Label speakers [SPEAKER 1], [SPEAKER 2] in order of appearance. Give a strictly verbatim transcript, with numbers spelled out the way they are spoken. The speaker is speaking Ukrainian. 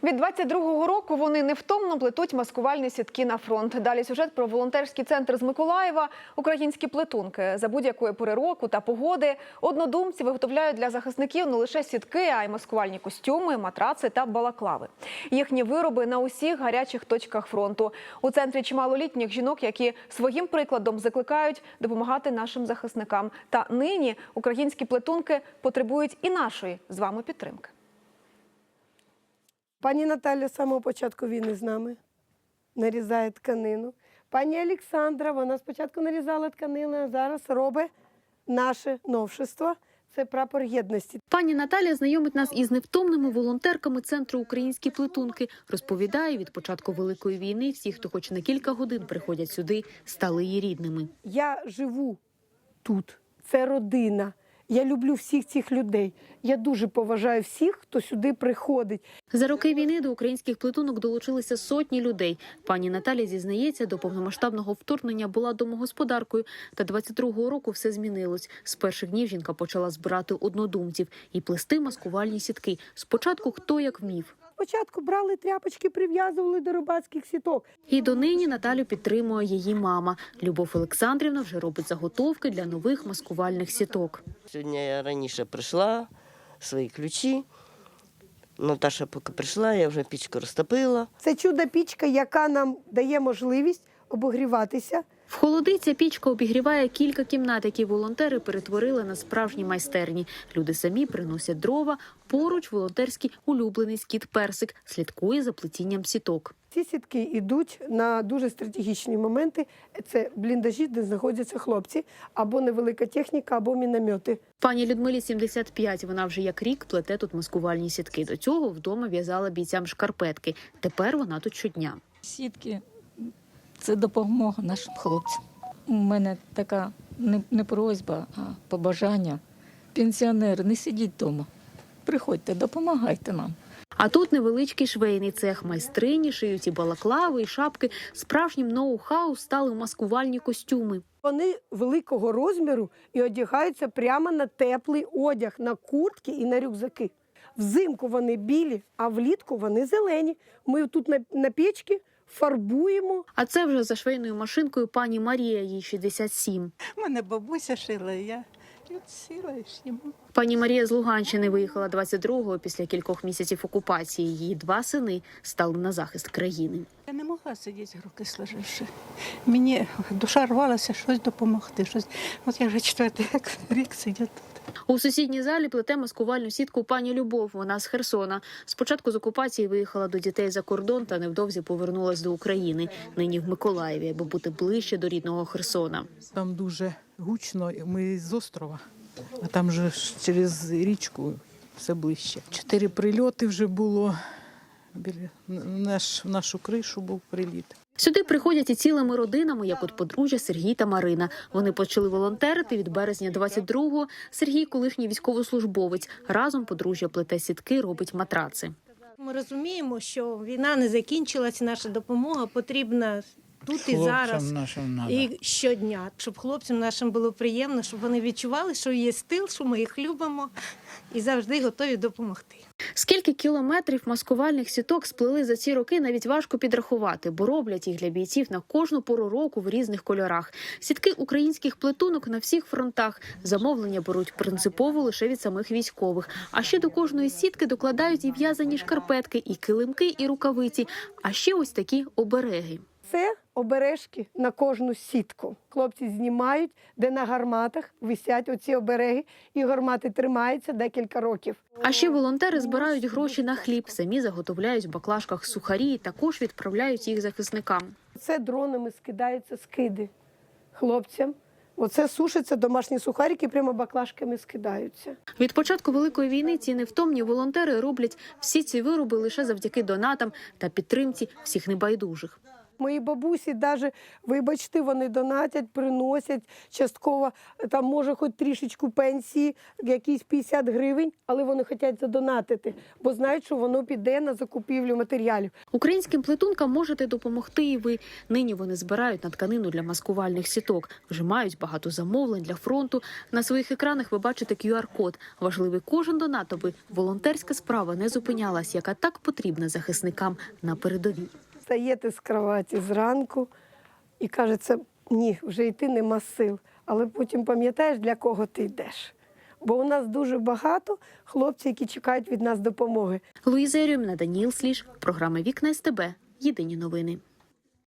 [SPEAKER 1] Від двадцять другого року вони невтомно плетуть маскувальні сітки на фронт. Далі сюжет про волонтерський центр з Миколаєва «Українські плетунки». За будь-якої пори року та погоди однодумці виготовляють для захисників не лише сітки, а й маскувальні костюми, матраци та балаклави. Їхні вироби на усіх гарячих точках фронту. У центрі чимало літніх жінок, які своїм прикладом закликають допомагати нашим захисникам. Та нині українські плетунки потребують і нашої з вами підтримки.
[SPEAKER 2] Пані Наталя з самого початку війни з нами нарізає тканину. Пані Олександра, вона спочатку нарізала тканину, а зараз робить наше новшество. Це прапор єдності.
[SPEAKER 3] Пані Наталя знайомить нас із невтомними волонтерками Центру «Українські плетунки». Розповідає, від початку Великої війни всі, хто хоч на кілька годин приходять сюди, стали її рідними.
[SPEAKER 2] Я живу тут, це родина. Я люблю всіх цих людей. Я дуже поважаю всіх, хто сюди приходить.
[SPEAKER 3] За роки війни до українських плетунок долучилися сотні людей. Пані Наталя зізнається, до повномасштабного вторгнення була домогосподаркою. Та двадцять другого року все змінилось. З перших днів жінка почала збирати однодумців і плести маскувальні сітки. Спочатку хто як вмів.
[SPEAKER 2] Спочатку брали тряпочки, прив'язували до рибацьких сіток.
[SPEAKER 3] І донині Наталю підтримує її мама. Любов Олександрівна вже робить заготовки для нових маскувальних сіток.
[SPEAKER 4] Сьогодні я раніше прийшла, свої ключі. Наташа поки прийшла, я вже пічку розтопила.
[SPEAKER 2] Це чудо-пічка, яка нам дає можливість обогріватися.
[SPEAKER 3] В холоди ця пічка обігріває кілька кімнат, які волонтери перетворили на справжні майстерні. Люди самі приносять дрова, поруч волонтерський улюблений скіт Персик слідкує за плетінням сіток.
[SPEAKER 2] Ці сітки йдуть на дуже стратегічні моменти. Це бліндажі, де знаходяться хлопці, або невелика техніка, або міномети.
[SPEAKER 3] Пані Людмилі сімдесят п'ять, вона вже як рік плете тут маскувальні сітки. До цього вдома в'язала бійцям шкарпетки. Тепер вона тут щодня.
[SPEAKER 5] Сітки – це допомога нашим хлопцям. У мене така не, не просьба, а побажання. Пенсіонери, не сидіть вдома. Приходьте, допомагайте нам.
[SPEAKER 3] А тут невеличкий швейний цех. Майстрині шиють і балаклави, і шапки. Справжнім ноу-хау стали маскувальні костюми.
[SPEAKER 2] Вони великого розміру і одягаються прямо на теплий одяг, на куртки і на рюкзаки. Взимку вони білі, а влітку вони зелені. Ми тут на, на печці фарбуємо.
[SPEAKER 3] А це вже за швейною машинкою пані Марія, їй шістдесят сім.
[SPEAKER 6] У мене бабуся шила, і я от сіла і шніму.
[SPEAKER 3] Пані Марія з Луганщини виїхала двадцять другого після кількох місяців окупації. Її два сини стали на захист країни.
[SPEAKER 6] Я не могла сидіти, руки сложивши. Мені душа рвалася щось допомогти. Щось. От я вже четвертий рік сидю тут.
[SPEAKER 3] У сусідній залі плете маскувальну сітку пані Любов. Вона з Херсона. Спочатку з окупації виїхала до дітей за кордон та невдовзі повернулась до України. Нині в Миколаєві, аби бути ближче до рідного Херсона.
[SPEAKER 7] Там дуже гучно, ми з острова, а там же через річку все ближче. Чотири прильоти вже було, біля наш, в нашу кришу був приліт.
[SPEAKER 3] Сюди приходять і цілими родинами, як от подружжя Сергій та Марина. Вони почали волонтерити від березня двадцять другого. Сергій – колишній військовослужбовець. Разом подружжя плете сітки, робить матраци.
[SPEAKER 8] Ми розуміємо, що війна не закінчилася, наша допомога потрібна тут і зараз, і щодня. Щоб хлопцям нашим було приємно, щоб вони відчували, що є стил, що ми їх любимо і завжди готові допомогти.
[SPEAKER 3] Скільки кілометрів маскувальних сіток сплели за ці роки, навіть важко підрахувати, бо роблять їх для бійців на кожну пору року в різних кольорах. Сітки українських плетунок на всіх фронтах. Замовлення беруть принципово лише від самих військових. А ще до кожної сітки докладають і в'язані шкарпетки, і килимки, і рукавиці. А ще ось такі обереги.
[SPEAKER 2] Це обережки на кожну сітку. Хлопці знімають, де на гарматах висять оці обереги, і гармати тримаються декілька років.
[SPEAKER 3] А ще волонтери збирають гроші на хліб, самі заготовляють в баклажках сухарі і також відправляють їх захисникам.
[SPEAKER 2] Це дронами скидаються скиди хлопцям. Оце сушаться домашні сухарики, прямо баклажками скидаються.
[SPEAKER 3] Від початку Великої війни ці невтомні волонтери роблять всі ці вироби лише завдяки донатам та підтримці всіх небайдужих.
[SPEAKER 2] Мої бабусі навіть, вибачте, вони донатять, приносять частково, там може хоч трішечку пенсії, якісь п'ятдесят гривень, але вони хочуть задонатити, бо знають, що воно піде на закупівлю матеріалів.
[SPEAKER 3] Українським плетункам можете допомогти і ви. Нині вони збирають на тканину для маскувальних сіток. Вже мають багато замовлень для фронту. На своїх екранах ви бачите ку ар код. Важливий кожен донат, аби волонтерська справа не зупинялась, яка так потрібна захисникам на передовій.
[SPEAKER 2] Встаєте з кроваті зранку і кажеться, ні, вже йти нема сил. Але потім пам'ятаєш, для кого ти йдеш. Бо у нас дуже багато хлопців, які чекають від нас допомоги.
[SPEAKER 3] Луїза Єрьоміна, Даніїл Сліж, програма «Вікна ес те бе». Єдині новини.